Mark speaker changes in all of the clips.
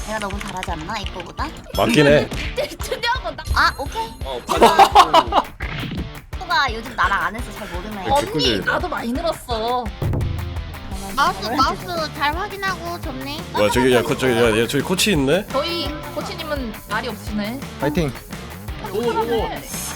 Speaker 1: 내가 너무 잘하지 않나 이거보다?
Speaker 2: 맞긴 해.
Speaker 3: 특이한 건
Speaker 1: 아 오케이.
Speaker 4: 반장님.
Speaker 1: 또가 요즘 나랑 안 해서 잘 모르네.
Speaker 2: 개꿀
Speaker 3: 언니
Speaker 2: 들린다.
Speaker 3: 나도 많이 늘었어.
Speaker 1: 마우스 잘 확인하고 좋네.
Speaker 2: 와 저기 야 저기 코치 있네.
Speaker 3: 저희 코치님은 말이 없으시네.
Speaker 5: 파이팅.
Speaker 4: 오오오.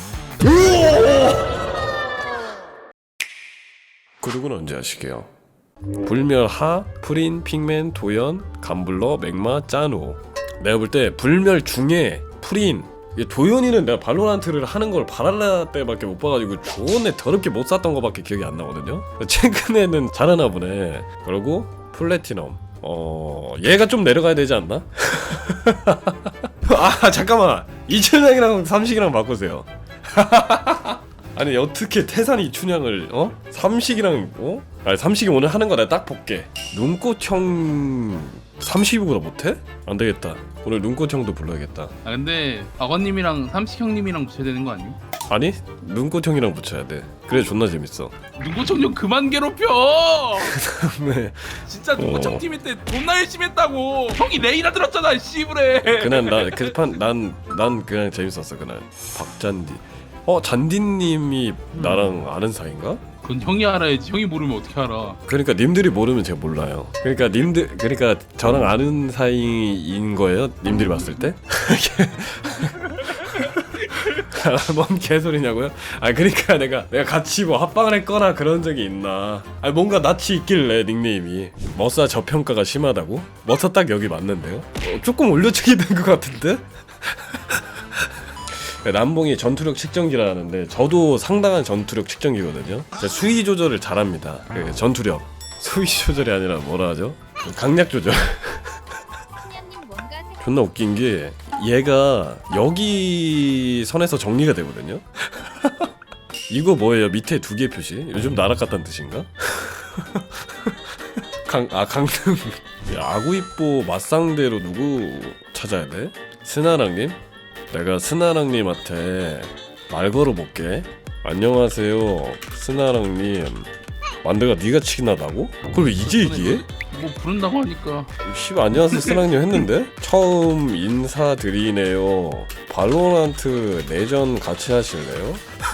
Speaker 2: 구독은 언제 하시게요? 불멸, 하, 프린, 핑맨, 도연, 감블러, 맥마, 짜누. 내가 볼 때 불멸 중에 프린, 도연이는 내가 발로란트를 하는 걸 바랄라 때밖에 못 봐가지고 존내 더럽게 못 샀던 거밖에 기억이 안 나거든요. 최근에는 잘하나 보네. 그리고 플래티넘. 얘가 좀 내려가야 되지 않나? 아 잠깐만, 이춘향이랑 삼식이랑 바꾸세요. 아니 어떻게 태산이 춘향을 삼식이랑 아니 삼식이 오늘 하는 거 내가 딱 볼게. 눈꽃형 삼식이보다 못해? 안 되겠다. 오늘 눈꽃형도 불러야겠다.
Speaker 4: 아 근데 박원님이랑 삼식 형님이랑 붙여야 되는 거 아니에요?
Speaker 2: 아니 눈꽃형이랑 붙여야 돼. 그래 존나 재밌어.
Speaker 4: 눈꽃형 좀 그만 괴롭혀.
Speaker 2: 네.
Speaker 4: 진짜 눈꽃형 팀일 때 존나 열심히 했다고. 형이 레이나 들었잖아 씨부레.
Speaker 2: 그날 난 그냥 재밌었어 그날. 박잔디. 잔디님이 나랑 아는 사이인가?
Speaker 4: 그건 형이 알아야지. 형이 모르면 어떻게 알아?
Speaker 2: 그러니까 님들이 모르면 제가 몰라요. 그러니까 저랑 아는 사이인 거예요? 님들이 봤을 때? 뭔 개소리냐고요? 아 그러니까 내가 같이 뭐 합방을 했거나 그런 적이 있나? 아 뭔가 낯이 있길래 닉네임이 머싸 저평가가 심하다고? 머싸 딱 여기 맞는데요? 조금 올려치기 된 것 같은데? 남봉이 전투력 측정기라는데 저도 상당한 전투력 측정기거든요. 제가 수위 조절을 잘합니다. 전투력 수위 조절이 아니라 뭐라 하죠? 강약 조절. 존나 웃긴 게 얘가 여기 선에서 정리가 되거든요. 이거 뭐예요? 밑에 두 개 표시? 요즘 나락 같다는 뜻인가? 강릉. 아구이뽀 맞상대로 누구 찾아야 돼? 스나랑님? 내가 스나랑님한테 말 걸어볼게. 안녕하세요 스나랑님, 만드가 니가 치기나다고? 그걸 왜 이제 얘기해?
Speaker 4: 뭐 부른다고 하니까.
Speaker 2: 씨발 안녕하세요 스나랑님 했는데? 처음 인사드리네요. 발로란트 내전 같이 하실래요?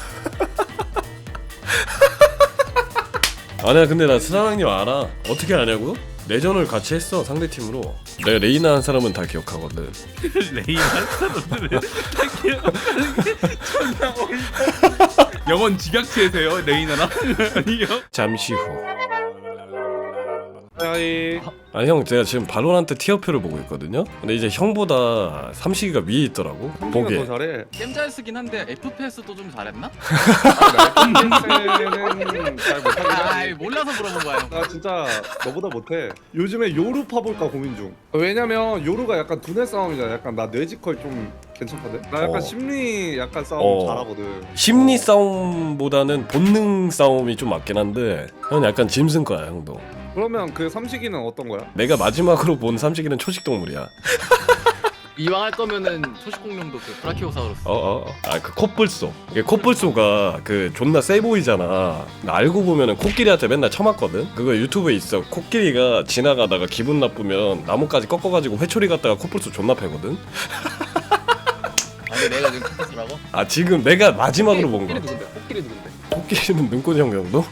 Speaker 2: 아니야 근데 나 스나랑님 알아. 어떻게 아냐고? 내전을 같이 했어 상대팀으로. 내가 레이나 한 사람은 다 기억하거든.
Speaker 4: 레이나 한 사람들은 다 기억하는 게 존나 어이없어. 영원 집약체세요 레이나랑? 아니요.
Speaker 2: 잠시 후.
Speaker 5: 하이.
Speaker 2: 아니 형 제가 지금 발로란트 티어표를 보고 있거든요. 근데 이제 형보다 삼식이가 위에 있더라고. 보게.
Speaker 5: 더 잘해.
Speaker 6: 게임 잘 쓰긴 한데 FPS도 좀 잘했나?
Speaker 5: 는 잘 못하긴
Speaker 6: 아이
Speaker 5: 하지.
Speaker 6: 몰라서 물어본 거야 형.
Speaker 5: 나 진짜 너보다 못해. 요즘에 요루 파볼까 고민 중. 왜냐면 요루가 약간 두뇌 싸움이잖아. 약간 나 뇌지컬 좀 괜찮거든. 나 약간 심리 약간 싸움 잘하거든.
Speaker 2: 심리 싸움보다는 본능 싸움이 좀 맞긴 한데 형 약간 짐승 거야 형도.
Speaker 5: 그러면 그 삼식이는 어떤 거야?
Speaker 2: 내가 마지막으로 본 삼식이는 초식 동물이야.
Speaker 6: 이왕 할 거면은 초식공룡도 그 브라키오사우루스.
Speaker 2: 그 코뿔소. 이게 코뿔소가 그 존나 세 보이잖아. 나 알고 보면은 코끼리한테 맨날 쳐맞거든. 그거 유튜브에 있어. 코끼리가 지나가다가 기분 나쁘면 나뭇가지 꺾어가지고 회초리 갖다가 코뿔소 존나 패거든.
Speaker 6: 아니 내가 지금 컴퓨터라고?
Speaker 2: 아 지금 내가 마지막으로 본 거.
Speaker 6: 코끼리 누군데?
Speaker 2: 코끼리는 눈꽃 형 정도?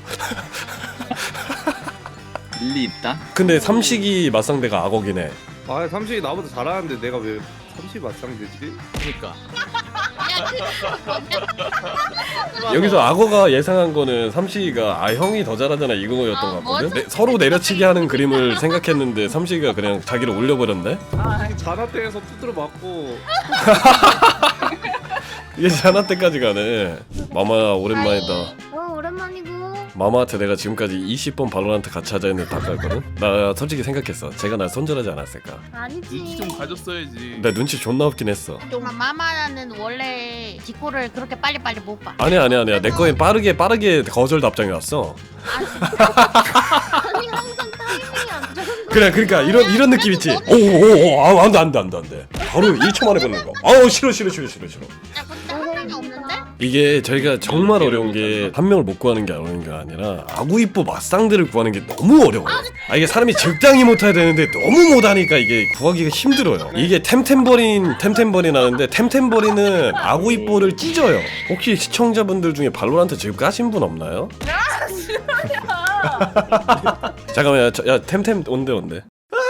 Speaker 6: 일리 있다?
Speaker 2: 근데 삼식이 맞상대가 악어긴 해.
Speaker 5: 아 삼식이 나보다 잘하는데 내가 왜 삼식 맞상대지?
Speaker 6: 그니까
Speaker 2: 여기서 악어가 예상한 거는 삼식이가 형이 더 잘하잖아 이거였던 것 같거든? 서로 내려치기 하는 그림을 생각했는데 삼식이가 그냥 자기를 올려버렸네?
Speaker 5: 자나때에서 두드려 맞고.
Speaker 2: 이게 자나 때까지 가네. 마마야 오랜만이다.
Speaker 1: 오랜만이고.
Speaker 2: 마마한테 내가 지금까지 20번 발로란트 같이 하자 했는데 다 깔거든? 나 솔직히 생각했어. 제가 날 손절하지 않았을까.
Speaker 1: 아니지.
Speaker 4: 눈치 좀 가졌어야지.
Speaker 2: 내 눈치 존나 없긴 했어.
Speaker 1: 마마는 원래 디코를 그렇게 빨리빨리 못 봐.
Speaker 2: 아니야 내 거엔 빠르게 거절 답장이 왔어.
Speaker 1: 아니 항상 타이밍이 안 좋은 거.
Speaker 2: 그래 그러니까 이런 느낌 있지. 오오오 안돼 바로 1초 만에 걷는 거. 아우 싫어.
Speaker 1: 야 근데 한 명이 없는데?
Speaker 2: 이게 저희가 정말 어려운 게 한 명을 못 구하는 게 어려운 게 아니라 아구이뽀 맞상대를 구하는 게 너무 어려워요. 이게 사람이 적당히 못해야 되는데 너무 못하니까 이게 구하기가 힘들어요. 이게 템템버린 하는데 템템버린은 아구이뽀를 찢어요. 혹시 시청자분들 중에 발로란트 지금 까신 분 없나요? 잠깐만 야 템템 온대.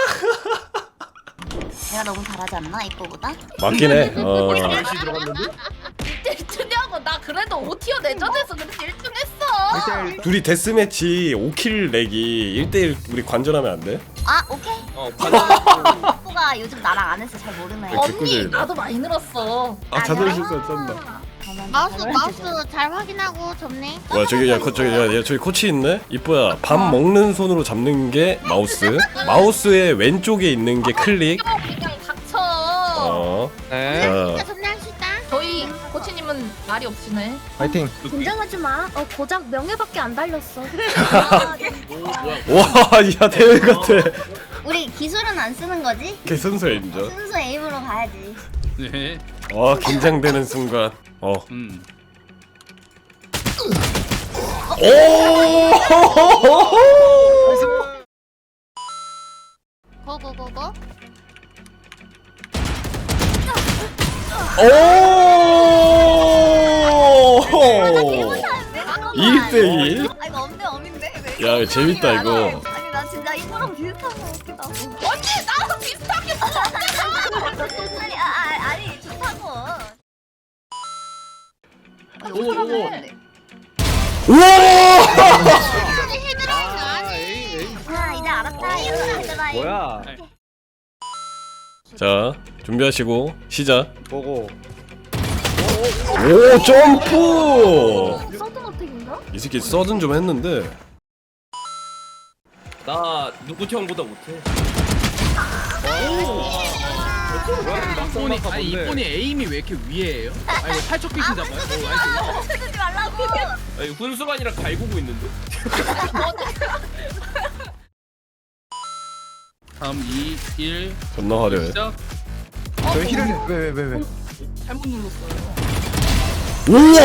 Speaker 1: 내가 너무 잘하지 않나 이뻐보다?
Speaker 2: 맞긴 해.
Speaker 6: 열시 들어갔는데?
Speaker 3: 1등이하고 나 그래도 5티어 내전에서 그렇게 1등 했어.
Speaker 2: 둘이 데스매치 5킬 내기 1대1 우리 관전하면 안 돼?
Speaker 1: 아 오케이. 이뻐가 요즘 나랑 안 해서 잘 모르네.
Speaker 3: 언니
Speaker 2: 개꿀잼이다.
Speaker 3: 나도 많이 늘었어.
Speaker 2: 아 자존 실수 쩐다.
Speaker 1: 마우스 잘 확인하고 접네.
Speaker 2: 와 저기 저기 코치 있네. 이뻐야 밥 먹는 손으로 잡는 게 마우스. 마우스의 왼쪽에 있는 게 클릭.
Speaker 3: 그냥 닥쳐.
Speaker 5: 네.
Speaker 2: 자,
Speaker 1: 접네 합시다.
Speaker 3: 저희 코치님은 말이 없으네.
Speaker 7: 파이팅.
Speaker 8: 긴장하지 마. 고작 명예밖에 안 달렸어.
Speaker 2: 와야 대회 같아.
Speaker 1: 우리 기술은 안 쓰는 거지?
Speaker 2: 개 순수 인정.
Speaker 1: 순수 에임으로 가야지.
Speaker 4: 네.
Speaker 2: 와 긴장되는 순간.
Speaker 1: 고고고고.
Speaker 2: 오. 1대1.
Speaker 1: 아 이거 엄대 엄인데.
Speaker 2: 야 재밌다 이거.
Speaker 1: 아니 나 진짜 이거랑 비슷한 거 같기도 하고.
Speaker 3: 언니 나랑 비슷하게
Speaker 1: 아니 좋다고.
Speaker 6: 오오오.
Speaker 2: 우와!
Speaker 1: 아 이제 알았다. 이거 얘들아.
Speaker 5: 뭐야?
Speaker 2: 자 준비하시고 시작.
Speaker 5: 보고.
Speaker 2: 오 점프.
Speaker 8: 서든 어택인가?
Speaker 2: 이 새끼 서든 좀 했는데.
Speaker 9: 나 누구 형보다 못해.
Speaker 4: 이쁜이 아니 이쁜이 에임이 왜 이렇게 위에예요? 아니 뭐 팔척 귀신 잡아요? 나이스.
Speaker 1: 쓰지 말라고.
Speaker 9: 아니 훈수관이랑 갈구고 있는데.
Speaker 4: 3, 2, 1
Speaker 2: 존나 화려해.
Speaker 4: 시작.
Speaker 7: 왜 힐을 왜?
Speaker 4: 잘못 눌렀어요.
Speaker 2: 우와!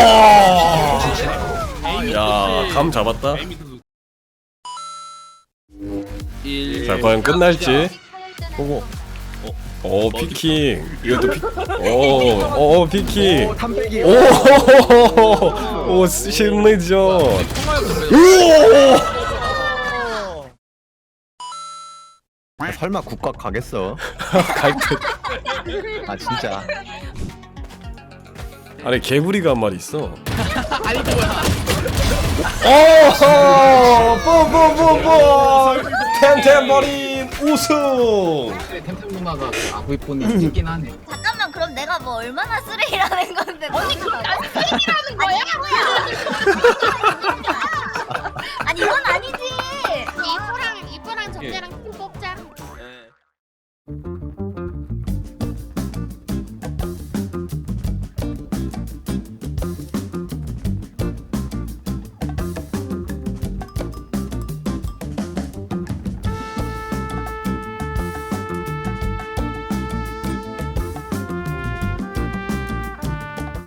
Speaker 4: 에임이
Speaker 2: 야, 감 잡았다.
Speaker 4: 에임이 1
Speaker 2: 자, 과연 끝날지. 보고. 오, 피킹. 이것도 피. 오, 피킹.
Speaker 7: 탐배기.
Speaker 2: 오, 심리전. 우와!
Speaker 7: 설마 국각 가겠어?
Speaker 2: 갈 듯.
Speaker 7: 아 진짜.
Speaker 2: 아니 개구리가 한 마리 있어.
Speaker 4: 아니 뭐야?
Speaker 2: 뽀뽀뽀뽀. 템템버린 우승.
Speaker 6: 템템 누나가 아구이폰이 찍긴 하네.
Speaker 1: 잠깐만 그럼 내가 뭐 얼마나 쓰레기라는 건데? 언니 그럼 난
Speaker 3: 쓰레기라는 거야?
Speaker 1: 아니 뭐야?